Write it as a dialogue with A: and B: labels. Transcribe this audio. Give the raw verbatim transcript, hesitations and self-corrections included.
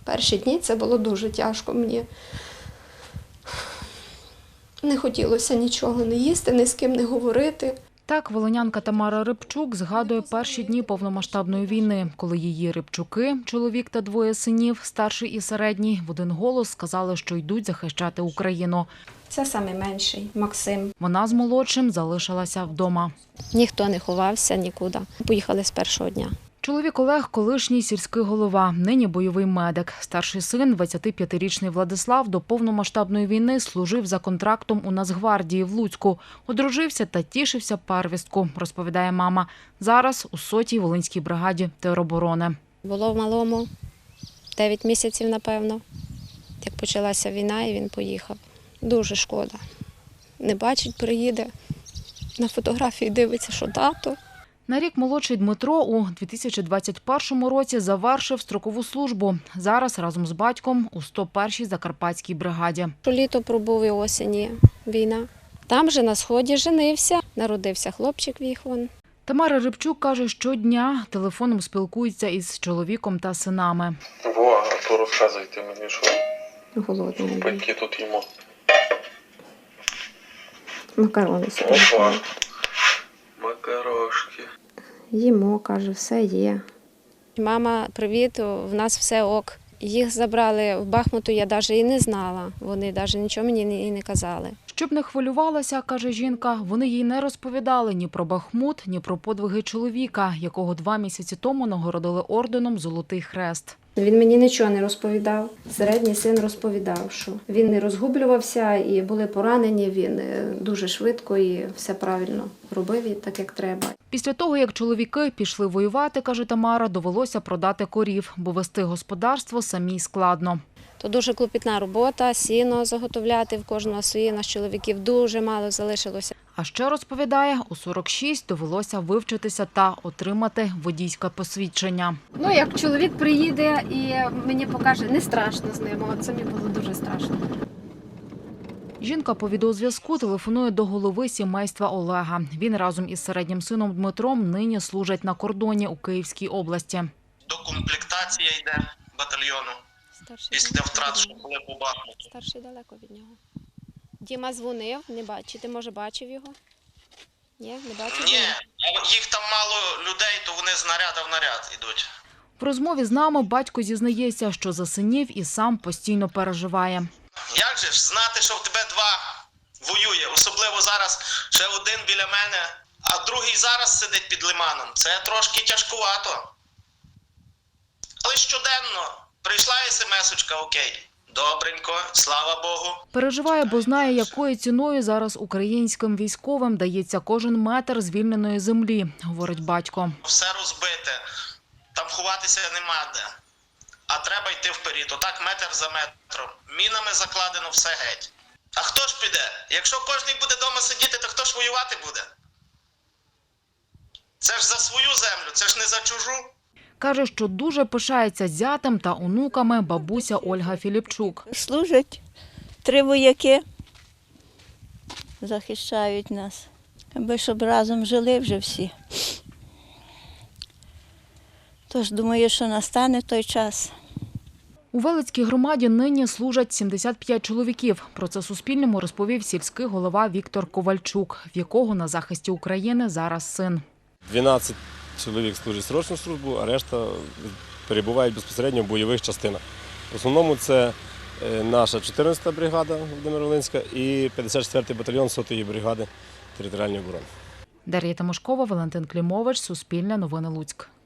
A: Перші дні це було дуже тяжко мені. Не хотілося нічого не їсти, ні з ким не говорити.
B: Так волинянка Тамара Рибчук згадує перші дні повномасштабної війни, коли її Рибчуки, чоловік та двоє синів, старший і середній, в один голос сказали, що йдуть захищати Україну.
A: Це найменший Максим.
B: Вона з молодшим залишилася вдома.
A: Ніхто не ховався нікуди. Поїхали з першого дня.
B: Чоловік Олег – колишній сільський голова, нині бойовий медик. Старший син, двадцятип'ятирічний Владислав, до повномасштабної війни служив за контрактом у Нацгвардії в Луцьку. Одружився та тішився первістку, розповідає мама. Зараз у сотій Волинській бригаді тероборони.
A: Було в малому дев'ять місяців, напевно, як почалася війна, і він поїхав. Дуже шкода. Не бачить, приїде, на фотографії дивиться, що тато.
B: На рік молодший Дмитро у дві тисячі двадцять першому році завершив строкову службу. Зараз разом з батьком у сто першій Закарпатській бригаді.
A: Літо пробув і осені війна. Там же на сході женився, народився хлопчик Віхон.
B: Тамара Рибчук каже, щодня телефоном спілкується із чоловіком та синами.
C: Во, а то розказуйте мені, що
A: Голодний.
C: батьки тут їмо.
A: Макарони
C: Опа, макарошки.
A: їмо, каже, все є. Мама, привіт, в нас все ок. Їх забрали в Бахмуту, я навіть і не знала. Вони навіть нічого мені і не казали.
B: Щоб не хвилювалася, каже жінка, вони їй не розповідали ні про Бахмут, ні про подвиги чоловіка, якого два місяці тому нагородили орденом «Золотий хрест».
A: Він мені нічого не розповідав. Середній син розповідав, що він не розгублювався і були поранені, він дуже швидко і все правильно робив, і так як треба.
B: Після того, як чоловіки пішли воювати, каже Тамара, довелося продати корів, бо вести господарство самій складно.
A: То дуже клопітна робота, сіно заготовляти в кожного своє, нас чоловіків дуже мало залишилося.
B: А ще, розповідає, у сорок шість довелося вивчитися та отримати водійське посвідчення.
A: Ну, як чоловік приїде і мені покаже, не страшно з ним, от це мені було дуже страшно.
B: Жінка по відеозв'язку телефонує до голови сімейства Олега. Він разом із середнім сином Дмитром нині служать на кордоні у Київській області.
D: Докомплектація йде батальйону після втрат, що були по Бахмуту.
A: Старший далеко від нього. Діма дзвонив, не бачив. Ти, може, бачив його? Ні, не бачив?
D: Ні, їх там мало людей, то вони з наряду в наряд йдуть.
B: В розмові з нами батько зізнається, що за синів і сам постійно переживає.
D: Як же ж знати, що в тебе два воює, особливо зараз ще один біля мене, а другий зараз сидить під лиманом. Це трошки тяжкувато. Але щоденно прийшла смс-очка, окей. Добренько, слава Богу.
B: Переживає, бо знає, якою ціною зараз українським військовим дається кожен метр звільненої землі, говорить батько.
D: Все розбите, там ховатися нема де. А треба йти вперед, отак метр за метром. Мінами закладено все геть. А хто ж піде? Якщо кожен буде вдома сидіти, то хто ж воювати буде? Це ж за свою землю, це ж не за чужу.
B: Каже, що дуже пишається зятем та онуками бабуся Ольга Філіпчук.
E: Служать три вояки, захищають нас, аби щоб разом жили вже всі. Тож думаю, що настане той час.
B: У Велицькій громаді нині служать сімдесят п'ять чоловіків. Про це Суспільному розповів сільський голова Віктор Ковальчук, в якого на захисті України зараз син.
F: дванадцять чоловік служить срочну службу, а решта перебувають безпосередньо в бойових частинах. В основному це наша чотирнадцята бригада Володимир-Волинська і п'ятдесят четвертий батальйон сотої бригади територіальної оборони.
B: Дар'я Тимошкова, Валентин Клімович, Суспільне новини Луцьк.